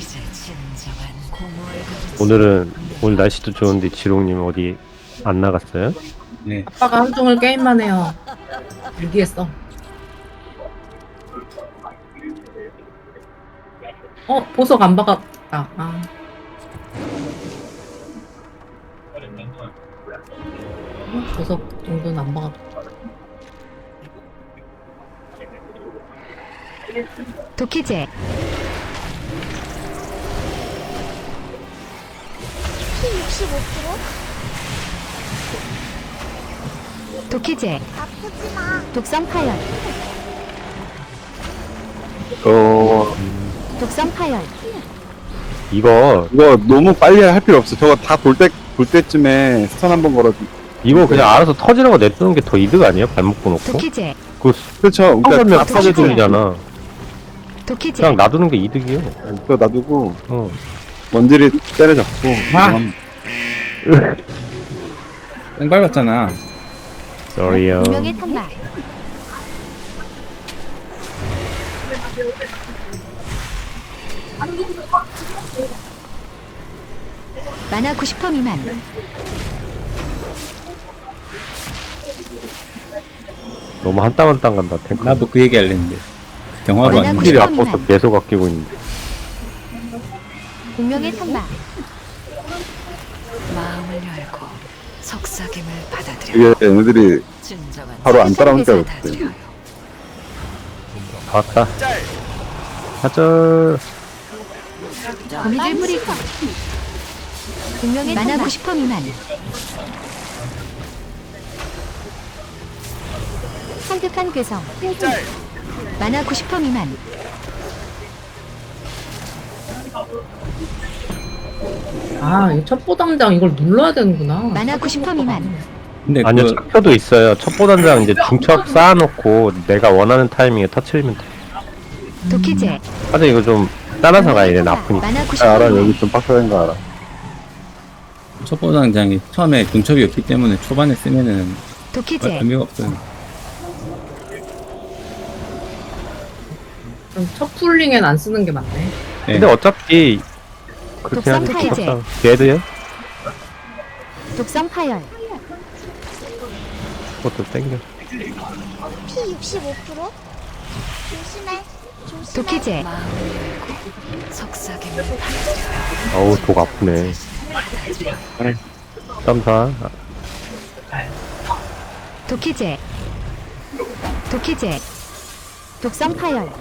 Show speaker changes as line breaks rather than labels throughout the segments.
오늘 날씨도 좋은데 지롱님 어디 안 나갔어요?
네.
아빠가 하루 종일 게임만 해요. 일기했어. 보석 안 박았다. 보석 정도는 안 박았다.
도키제 도키제
아프지마.
독성 파열 독성 파열
이거
너무 빨리 할 필요 없어. 저거 다 돌 때쯤에 스턴 한번 걸어줘.
이거 그냥 알아서 터지는 거 냅두는 게 더 이득 아니에요? 발목 놓고?
도키제
그
그렇죠.
그러면
그러니까
아파게 돌리잖아.
도키제
그냥 놔두는 게 이득이요.
그거 놔두고
어.
먼지를 때려잡고.
땡 밟았잖아.
sorry요.
운명의 탄막 만화 90% 미만
너무 한 땀 한 땀 간다. 탱크.
나도 그 얘기 할랬는데. 경화도
만화
아닌데.
힐이
90%
아파서
미만
계속 아끼고 있는데.
운명의 탄막
마음을 열고 속삭임을 받아들여.
이게 얘네들이
진정한
바로 안 따라오니까 그렇대.
받아들여요.
봤다. 하자.
거미줄 뿌리기 운명의 만화 90% 미만 산뜻한 괴성 만화 90% 미만
이 첩보당장 이걸 눌러야 되는구나.
만화 90% 미만
근데
아니요,
그
척표도 있어요. 첩보단장 이제 중첩 쌓아놓고 내가 원하는 타이밍에 터트리면 돼.
도키제
하자 이거 좀 따라서 가야 돼. 나쁘니까.
만화 90%
알아.
미만
여기 좀 빡세는 거 알아.
첩보당장이 처음에 중첩이 없기 때문에 초반에 쓰면은
도키제
의미가 없어요.
그럼 첩풀링엔 안 쓰는 게 맞네.
네.
근데 어차피 그렇게 하지.
독성 타이제.
걔도요?
독성 파열
그것도 땡겨.
P 65%? 조심해. 조심해.
도키제
마음을 열고 속삭임을 받아들여요.
어우, 독 아프네. 땀사.
도키제 도키제 독성 파열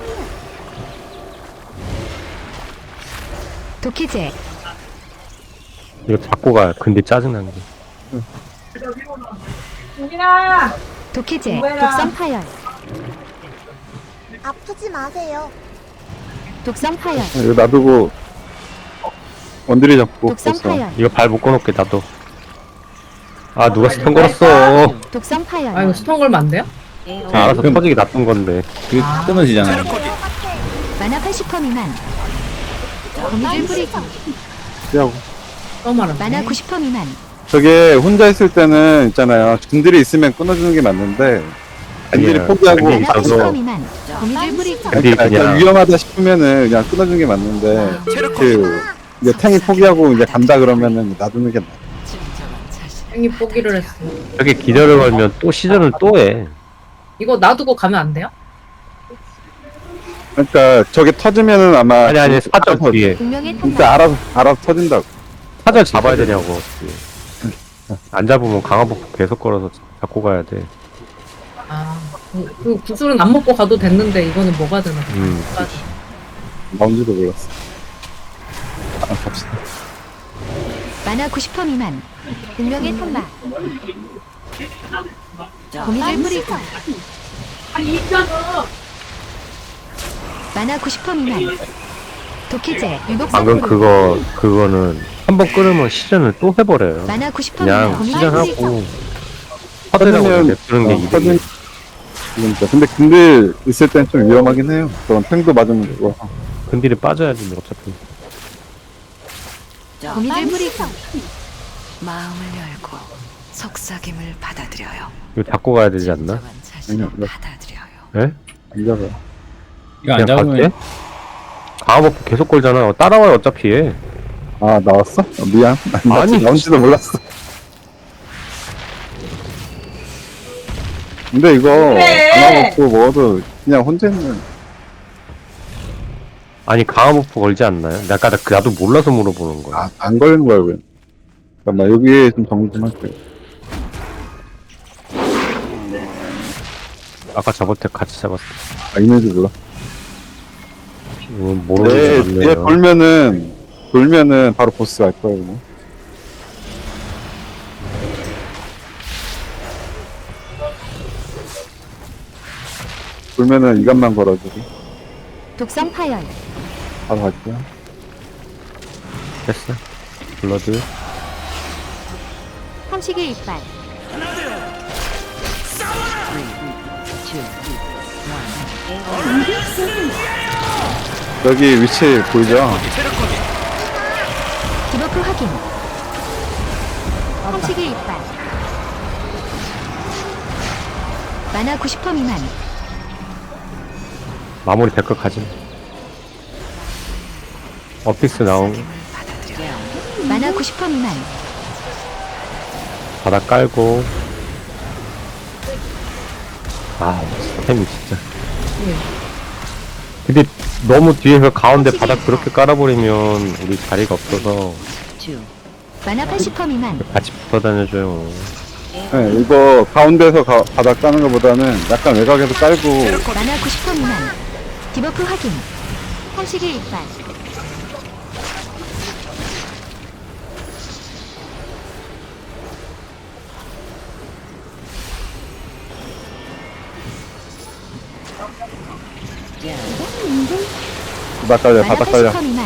도키제
이거 잡고 가. 근데 짜증난 게.
도키제 독성 파열
아프지 마세요.
독성 파열
이거 놔두고 원딜이 잡고
독성
벌써.
파열
이거 발 묶어놓게 나도. 아, 누가 스턴 걸었어.
독성
이거
파열
스톤 걸면 안 돼요?
자, 알아서
그럼-
터지게 놔둔 건데.
그게 끊어지잖아요.
만화 80% 미만 거미줄 뿌리기
피하고.
또 말하네.
만화 90% 미만
저게 혼자 있을 때는 있잖아요. 군딜이 있으면 끊어주는 게 맞는데 군딜이
예,
포기하고
군딜이
만화
있어서.
90% 미만 거미줄 뿌리기
근데
약간
그냥
위험하다 싶으면은 그냥 끊어주는 게 맞는데 그 이제 탱이 포기하고 이제 간다 그러면은 놔두는 게 나아.
진정한 자신.
행이 포기를 했어.
저렇게 기절을 걸면 또 시전을 또 해.
이거 놔두고 가면 안 돼요?
그러니까 저게 터지면은 아마
아니, 사절
알아서-
뒤에.
운명의
진짜
탄막
알아서 터진다고.
사절 잡아야 되냐고. 안 잡으면 강화복 계속 걸어서 잡고 가야 돼.
그 구슬은 안 먹고 가도 됐는데 이거는 뭐가 되나?
뭔지도 몰랐어. 갑시다.
만화 90% 미만 운명의 탄막 거미줄 뿌리기 만화 90% 미만 도키제 유독성
방금
뿌리기
그거는 한 번 끊으면 시전을 또 해버려요.
만화 90%
그냥
미만 거미줄 뿌리기
시전하고 터지라고
터지면-
냅두는 게 이득이에요.
그러니까 근데 군딜 있을 땐 좀 위험하긴 해요. 그런 탱도 맞으면 되고.
근딜이 빠져야지 뭐 어차피.
거미줄 뿌리기
마음을 열고 속삭임을 받아들여요.
이거 잡고 가야 되지 않나?
진정한 자신을
아니요,
받아들여요.
예?
안 잡아.
이거 안
그냥
잡으면
갈게? 강화버프 계속 걸잖아. 따라와요 어차피 얘.
아 나왔어? 미안. 나
아니.
나온지도 몰랐어. 근데 이거 하나 먹고 먹어도 그냥 혼자 있는.
아니 강화버프 걸지 않나요? 나도 몰라서 물어보는 거야.
안 걸리는 거야 왜? 잠깐만 여기에 좀 정리 좀 할게요.
아까 저번 때 같이 잡았어.
있는지 몰라.
모르는
얘
게 없네요.
돌면은 바로 보스 갈 거야 그냥. 돌면은 이간만 걸어주고
독성 파열.
바로 갈게요.
됐어. 블러드.
삼식의 이빨.
여기 위치 보이죠?
디버프 확인. 삼식의 이빨. 만화 90% 미만.
마무리 될 것 가지. 어픽스 나온
속삭임을 받아들여요.
만화 90% 미만.
바닥 깔고. 아, 템이 진짜. 근데 너무 뒤에서 가운데 바닥 그렇게 깔아버리면 우리 자리가 없어서
만화 80% 미만.
같이 붙어 다녀줘요.
네, 이거 가운데서 바닥 까는 것보다는 약간 외곽에서 깔고
만화 90% 미만. 디버프 확인. 삼식의 이빨.
바닥 깔려
만화
바닥 깔려.
80% 미만.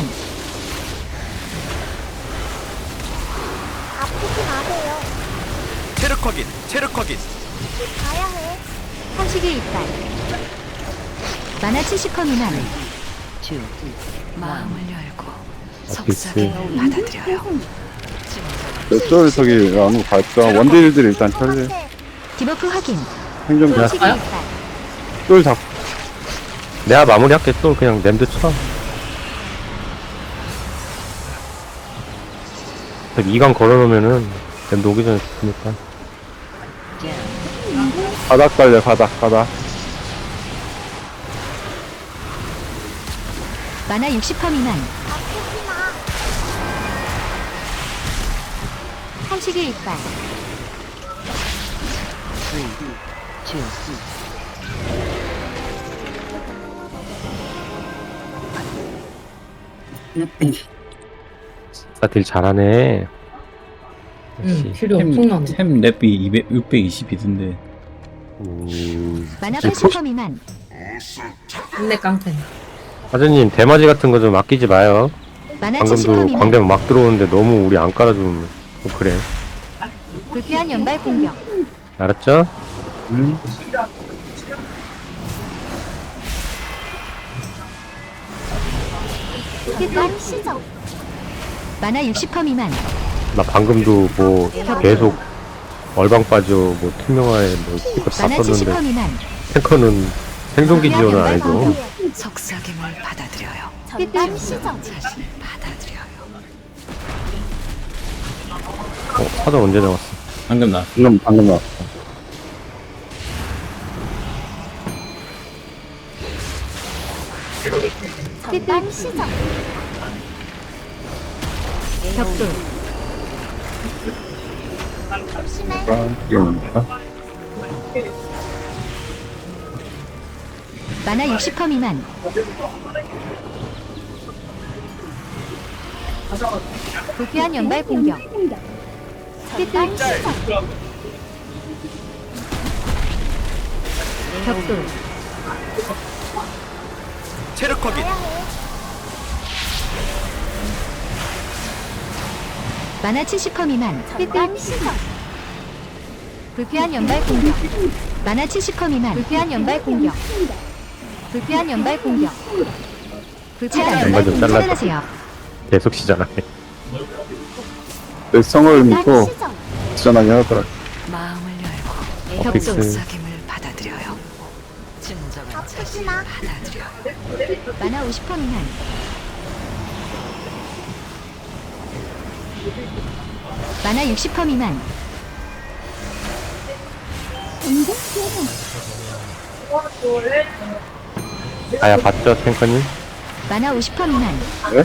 아프지 마세요.
체력 확인, 체력 확인.
가야 해.
삼식의 이빨. 만화 70% 미만.
마음을 열고
어피스.
속삭임을 받아들여요.
저쪽에 저기 아무 갈까? 원딜들 일단 처리.
디버프 확인.
행정자
삼식의 이빨.
쫄 잡고
내가 마무리할게. 또 그냥 냄드 쳐. 2강 걸어놓으면은 냄드 오기 전에 죽으니까.
바닥 깔려 바닥.
만화 60% 미만.
아프지 마.
삼식의 이빨.
딜 잘하네.
응, 필요 엄청나네.
템 랩이 620이던데.
만화 80% 미만.
인내 깡패.
사장님 대마지 같은 거 좀 아끼지 마요.
만화 70%
방금도
미만.
광대만 막 들어오는데 너무 우리 안 깔아주면 좀 그래.
불필요한 연발 공격.
알았죠?
난 시정.
만화 60% 미만.
나 방금도 뭐 계속 얼방 빠져 뭐 투명화에 뭐 이거 다
만화 70%
썼는데
미만.
탱커는 생존기 지원을 안 해줘.
속삭임을 받아들여요. 난 시정. 자신을 받아들여요.
사전 언제 나왔어?
방금 나.
방금 나왔어.
난 시정.
격돌.
조심해.
이겁니까?
만화 60% 미만. 불필요한 연발 공격.
난 시정.
격돌.
체력 확인.
가야 해.
만화 70% 미만.
난 시정.
불필요한 연발 공격. 만화 70% 미만. 불필요한 연발 공격. 불필요한 연발 공격. 불필요한 연발
연발 좀
공격.
잘라줘.
차단하세요.
계속 시전하네.
내 성을
난
믿고
시정.
지전하게 하더라.
마음을 열고
어픽스.
속삭임을 받아들여요. 진정한 아프지 자신을 마. 받아들여요.
만화 50% 미만. 만화 60% 미만.
아야 봤죠 탱커님?
만화 50% 미만.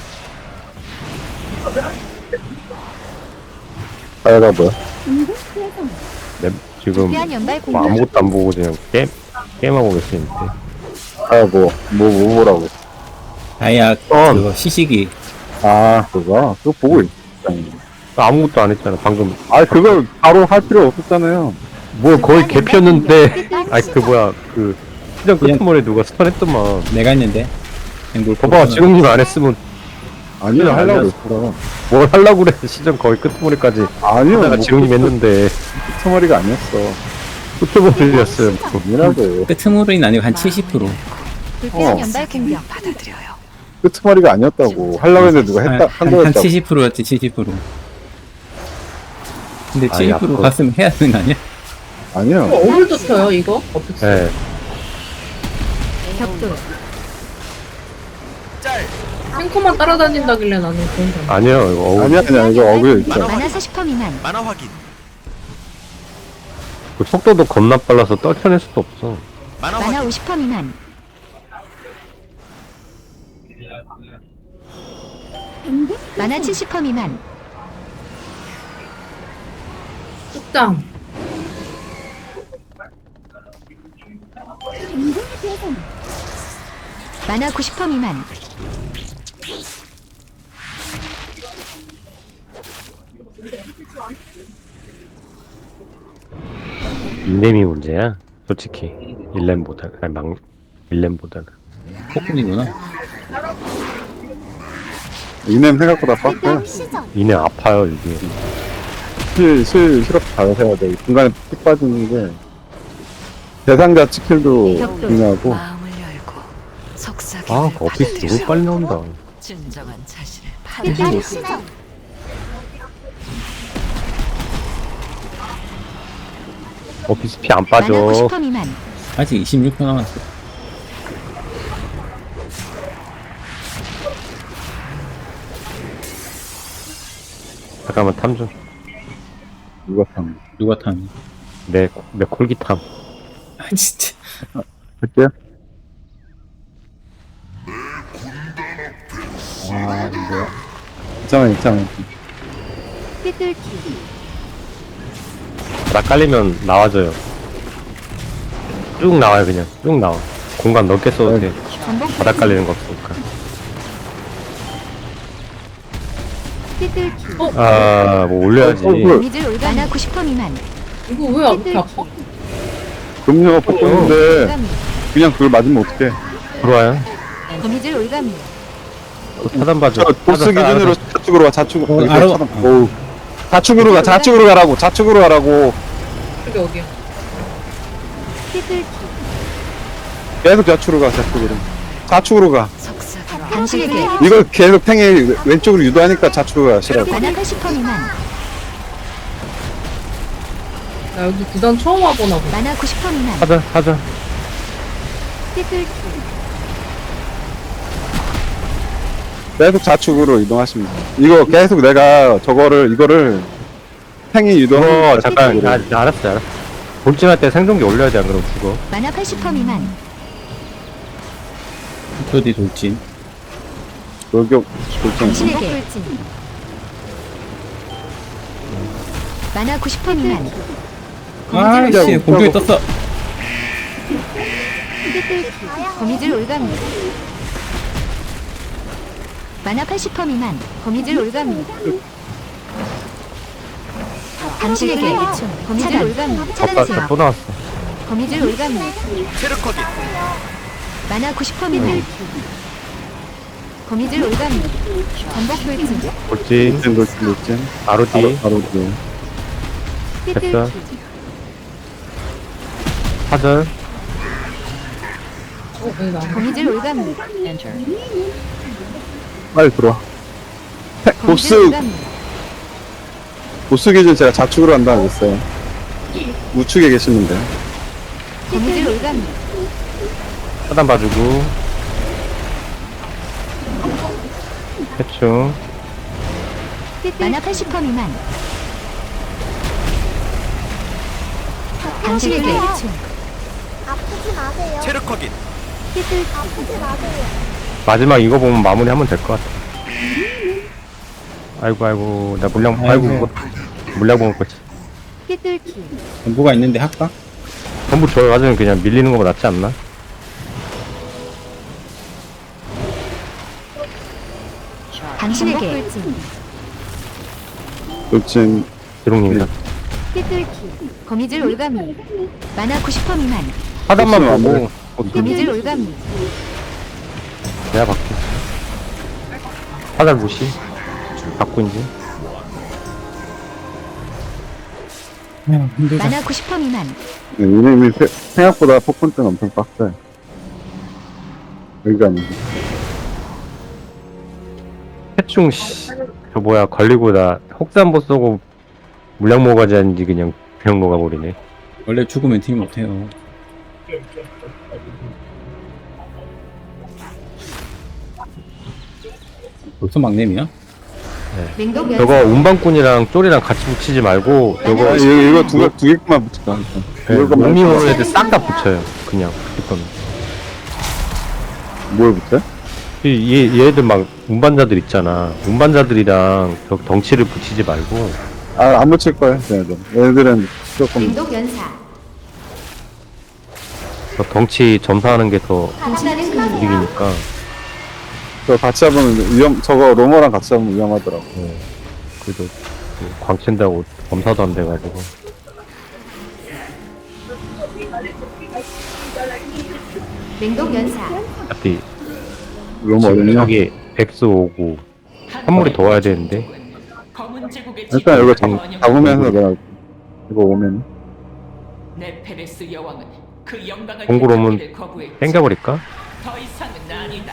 아야가 뭐야?
네, 지금
불쾌한 연발
뭐
공격.
아무것도 안 보고 그냥 게임하고 계시는데.
아야 뭐 보라고.
다이아 그거 시식이
아 그거 보고 있잖아.
아무것도 안 했잖아 방금.
아 그걸 바로 할 필요 없었잖아요.
뭐 거의 개피였는데. 아이 그 뭐야 그 시장 끝머리에 누가 스턴했더만.
내가 했는데. 앵글
봐봐 지금님 안 했으면
아니요
아니야.
하려고 그랬어.
뭘 하려고 그래. 시장 거의 끝머리까지
아니요
내가 지금님 했는데
끝머리가 아니었어.
끝머리였어요.
아니라고.
끄트머리는 아니고 한 70%.
불쾌한 연발 공격.
끝머리가 아니었다고. 하려고 했는데 누가 했다 한
한
거였다고.
70%였지 70%. 근데
아이,
70%
앞으로.
갔으면 해야 되는 거 아니야?
아니요.
어물도 쳐요 이거? 어떻게?
네.
격돌.
탱커만 따라다닌다길래 나는 그런 줄 알았어.
아니요 이거
아니야 이거 어글 있잖아.
만화 40% 미만.
만화 확인.
그 속도도 겁나 빨라서 떨쳐낼 수도 없어.
만화
만화
확인.
50% 미만. 만화 70% 미만.
뚝장.
만화 90% 미만.
인nem이 문제야 솔직히. 일렘보다 아니 일렘보다는.
폭군이구나.
이냄 생각보다 빡세.
이네 아파요 이게.
실업 잘해야 돼. 중간에 픽 빠지는 게 대상자 스킬도 중요하고.
마음을 열고 속삭이는
아 어피스 너무 빨리 나온다.
진정한 자신을
삐뚤
받아들여.
어피스 피 안
만화
빠져.
90% 미만.
아직 26% 남았어.
잠깐만 탐 좀.
누가 참.
누가 탐?
내 콜기 탐.
아 진짜.
할게요. 괜찮아.
삐뚤기.
나 깔리면 나와줘요. 쭉 나와요 그냥. 쭉 나와. 공간 넓게 써도 돼.
전복
바닥 깔리는 거 없으니까.
삐뚤기.
아 뭐 올려야지.
거미줄 올가. 만화 90% 미만.
이거 왜 이렇게 아파?
금요가 뽑혔는데
올가미.
그냥 그걸 맞으면 어떡해.
들어와요.
거미줄 올가미.
또 차단 봐줘.
저 보스 기준으로 좌측으로 가. 좌측으로.
알아.
오. 좌측으로 가. 좌측으로 가라고. 좌측으로 가라고.
여기 여기야.
삐뚤기.
계속 좌측으로 가. 좌측으로 가.
속삭이는
당신에게
이걸 계속 탱이 왼쪽으로 유도하니까 좌측으로 가시라고.
만화 80% 미만.
나 여기 구단 처음 와보나 보다.
만화 90% 미만.
하자.
삐뚤기.
계속 좌측으로 이동하시면 돼요. 이거 계속 내가 이거를 탱이
어
유도하는
잠깐. 알았어. 돌진할 때 생존기 올려야 돼 안 그러면 죽어.
만화 80% 미만.
저디 돌진.
돌격 돌진.
당신에게 만화 90% 미만.
아씨 공격이 떴어.
삐뚤기. 거미줄 올가미. 만화 80% 미만. 거미줄 올가미. 당신에게 거미줄 올가미. 차단하세요.
또 나왔어.
거미줄 올가미.
체력 확인.
만화 90% 미만. 거미줄 올가미. 전복 돌진.
돌진.
돌진.
바로 뒤.
바로 뒤.
됐어.
삐뚤기.
사절.
여기 나.
거미줄 올가미.
빨리 들어와.
거미줄
보스
올가미.
보스 기준 제가 좌측으로 한다고 했어요. 우측에 계시는데.
거미줄 올가미.
차단 봐주고. 해충.
만화 80% 미만. 당신에게
아프지 마세요.
체력 확인.
아프지 마세요.
마지막 이거 보면 마무리하면 될 것 같아. 아이고 나 물량 물량 먹을 거지.
삐뚤기.
전부가 있는데 할까?
전부 줘가지고 그냥 밀리는 거보다 낫지 않나?
당신에게
돌진
드롱님이다.
삐뚤기. 거미줄 올가미. 만화 90% 미만.
하단만
안
보고
거미줄 올가미.
내가 받게. 하단 무시. 받고 이제.
힘들다.
만화 90% 미만.
이름이 생각보다 폭풍등 엄청 빡세. 여기가 아니지.
해충 저 뭐야 걸리고 나 혹산보 쏘고 물량 모가지 하는지 그냥 녹아버리네.
원래 죽으면 팀 못해요. 벌써 막내미야?
맹독
저거
연사.
운반꾼이랑 쫄이랑 같이 붙이지 말고
아,
요거
이거 두 개만 붙일까? 이거만
몸이 오는 애들 싹 다 붙여요. 그냥 붙일
뭘 붙여?
얘들 막 운반자들 있잖아. 운반자들이랑 저 덩치를 붙이지 말고
아, 안 붙일 거야, 얘네들. 얘네들은 조금
맹독 연사.
저 덩치 점사하는 게 더
당신하는 금.
이기니까.
저 같이 잡으면 저거 로머랑 같이 잡으면 위험하더라고.
그래도 광친다고 검사도 안 돼가지고.
맹독 연사.
어차피
로머
지금
어딨냐?
여기 백스 오고 선물이 더 와야 되는데
일단 이거 잡으면서 내가 이거 오면
네페레스 여왕은 그 영광을
공구로 오면
되찾기를 거부했지.
땡겨버릴까?
더 이상은 아니다.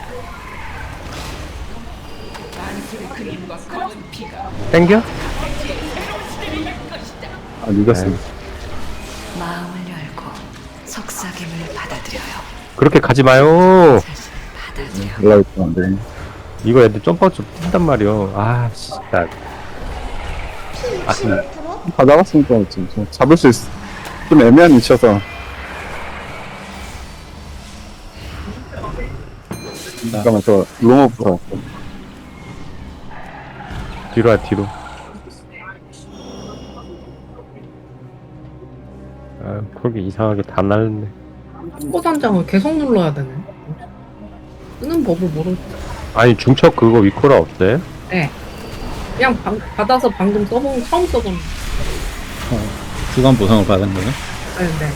안수의 그림과 검은 피가
땡겨?
새로운 시대를 열 것이다.
아 늦었어.
마음을 열고 속삭임을 받아들여요.
그렇게 가지 마요.
자신을 받아들여.
연락이 안 돼.
이거 애들 점프아웃 좀 뛴단 말이야. 아 진짜.
다 잡았으니까 지금 잡을 수 있어. 좀 애매한 위치여서. 잠깐만 저 로머부터.
뒤로 와 뒤로. 아 그렇게 이상하게 다 날렸네.
초보단장을 계속 눌러야 되네. 쓰는 법을 모르.
아니 중첩 그거 위코라 없어요?
네. 그냥 받아서 방금 처음 써본.
주간 보상을 받은 거네?
네.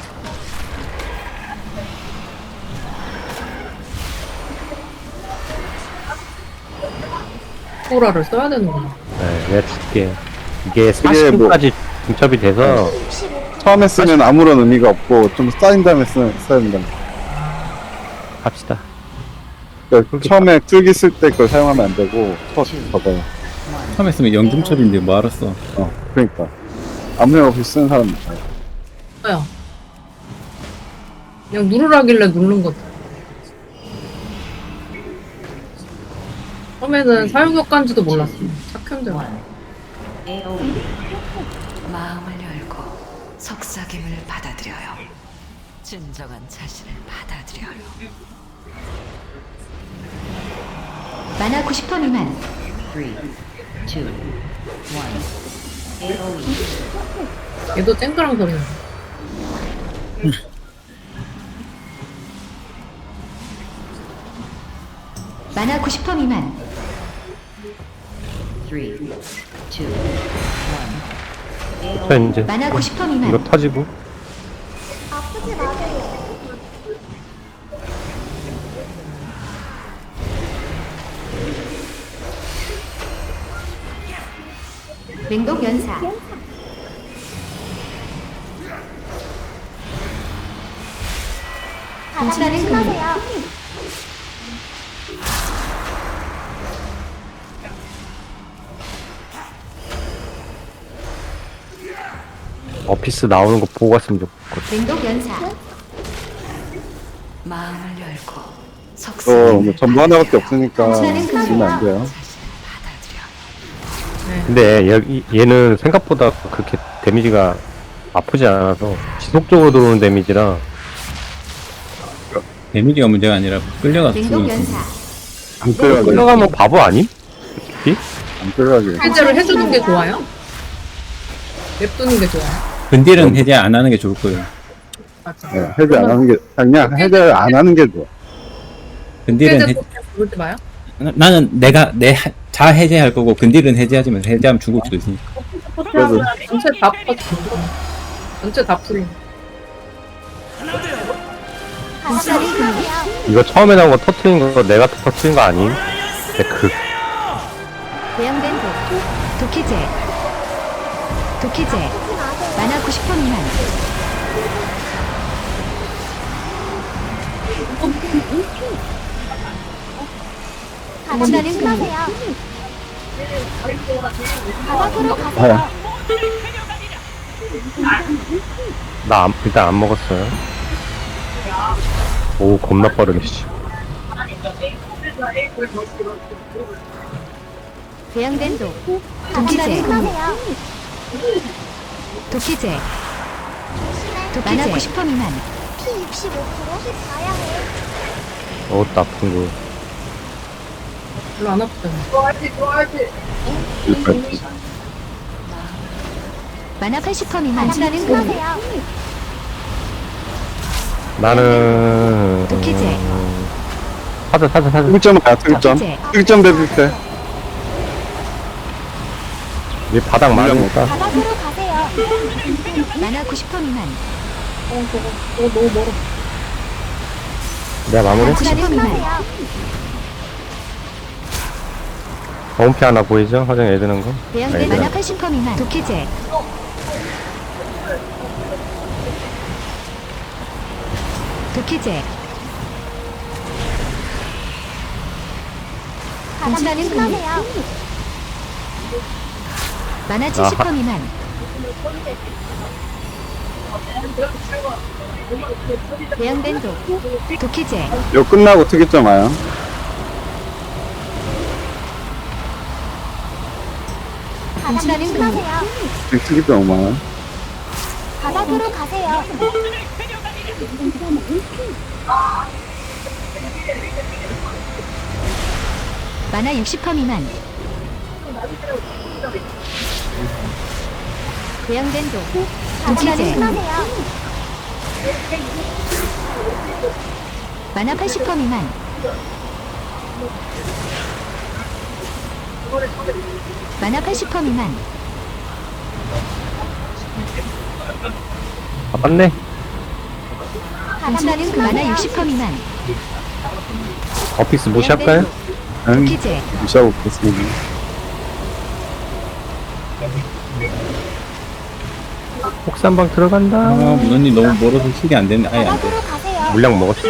코라를 써야 되는구나.
네, 내가 줄게. 이게
이게 뭐-
40분까지 중첩이 돼서
처음에 쓰면 아무런 의미가 없고 좀 쌓인 다음에 써야 된다.
합시다.
그러니까 처음에 툴기 쓸 때 그걸 사용하면 안 되고 저거요.
처음에 쓰면 영중첩인데 뭐 알았어.
그러니까 아무 생각 없이 쓰는 사람 있어요.
써요. 그냥 누르라길래 누른 거지. 처음에는 사용효과인지도 몰랐어. 착현들.
마음을 열고 속삭임을 받아들여요. 진정한 자신을 받아들여요.
만화 90% 미만.
3, 2, 1.
얘도 쨍그랑 소리나.
만화 90% 미만.
3, 2, 1.
자 이제
만화 90% 미만.
이거 터지고
아프지 마세요.
맹독 연사. 당신하는 금.
조심하세요.
어피스 나오는 거 보고 갔으면 좋겠거든.
맹독 연사.
마음을 열고
뭐
속삭임을
전부 하나밖에 없으니까
당신은
쓰면 안 돼요.
자신을 받아들여.
네.
근데 얘는 생각보다 그렇게 데미지가 아프지 않아서 지속적으로 들어오는 데미지라
데미지가 문제가 아니라 끌려가서
냉동
죽으니까.
연사.
안 끌어가게.
끌려가면 바보 아님? 솔직히?
안 끌어가게.
해제를 해주는 게 좋아요? 냅두는 게 좋아요?
근딜은 해제 안 하는 게 좋을 거예요.
맞아.
네, 해제 안 하는 게, 그냥 해제 안 하는 게 좋아.
근딜은
해제 부르지 마요?
나는 내가 자 해제할 거고 근딜은 해제하지만 해제하면 죽을 수도 있으니까.
그래서
전체 다 퍼지. 전체 다 풀림.
간단히 끝나세요.
이거 처음에 나온 거 터트린 거 내가 터트린 거 아님? 그
대형된 도키제. 도키제.
아프지 마세요.
만화 90% 미만.
간단히 끝나세요. 바닥으로 가세요.
일단 안 먹었어요. 오 겁나 빠르네 씨.
대형된
간단히
도키제.
끝나세요.
도키제. 만화 90% 미만.
피 65% 가야 해.
나쁜 거.
별로 안 아프잖아.
여기까지.
만화 80% 미만.
간단히 끝나세요.
나는
도키제.
사자
특점 가요, 특점.
도키제.
특점 대비세.
얘 바닥 맞으니까
바닥으로 가세요.
만화 90% 미만.
저거 너무 멀어.
내가 마무리.
90% 미만.
끝나세요.
검은피 하나 보이죠? 화장 애드는 거.
대형된
아이고야.
만화 80% 미만. 도키제. 도키제.
간단히 끝나세요.
만화 70% 미만. 대형된 도키제.
이거 끝나고 특이점 와요.
간단히 끝나세요.
특이점 5만원.
바닥으로 가세요.
만화 60% 미만. 대형된
간단히
도키제.
끝나세요.
만화 80% 미만. 만화 80% 미만.
맞네.
간단히
만화
끝나세요.
60% 미만.
어피스 무시할까요?
응,
도키제.
무시하고 있겠습니다.
혹산방 들어간다.
아 문언니 너무 멀어서 힐이 안 되네. 아예 안 돼.
바닥으로 가세요.
물량 먹었어.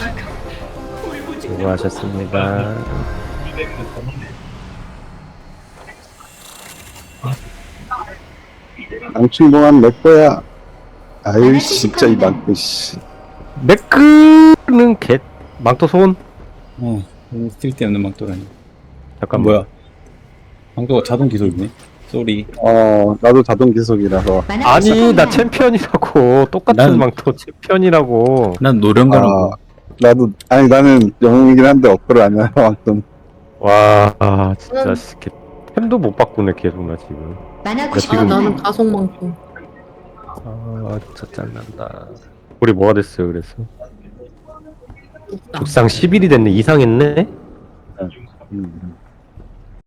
수고하셨습니다.
낭충동안 내 거야. 아유, 진짜 이 망고, 씨.
매크는 망토 손.
쓸데없는 망토라니.
잠깐
뭐야? 망토가 자동 기술이네. 쏘리.
나도 자동 기속이라서.
만화
아니
80%
나
미만.
챔피언이라고 똑같은
난-
망토 챔피언이라고.
난 노련가라고.
나는 영웅이긴 한데 어플을 안 해요, 아무튼.
와 진짜 템도 못 바꾸네 계속 나 지금.
만화
나
90%
지금-
나는
미만.
가속만큼.
진짜 짠난다. 우리 뭐가 됐어요 그래서?
없다.
독상 10일이 됐네. 이상했네?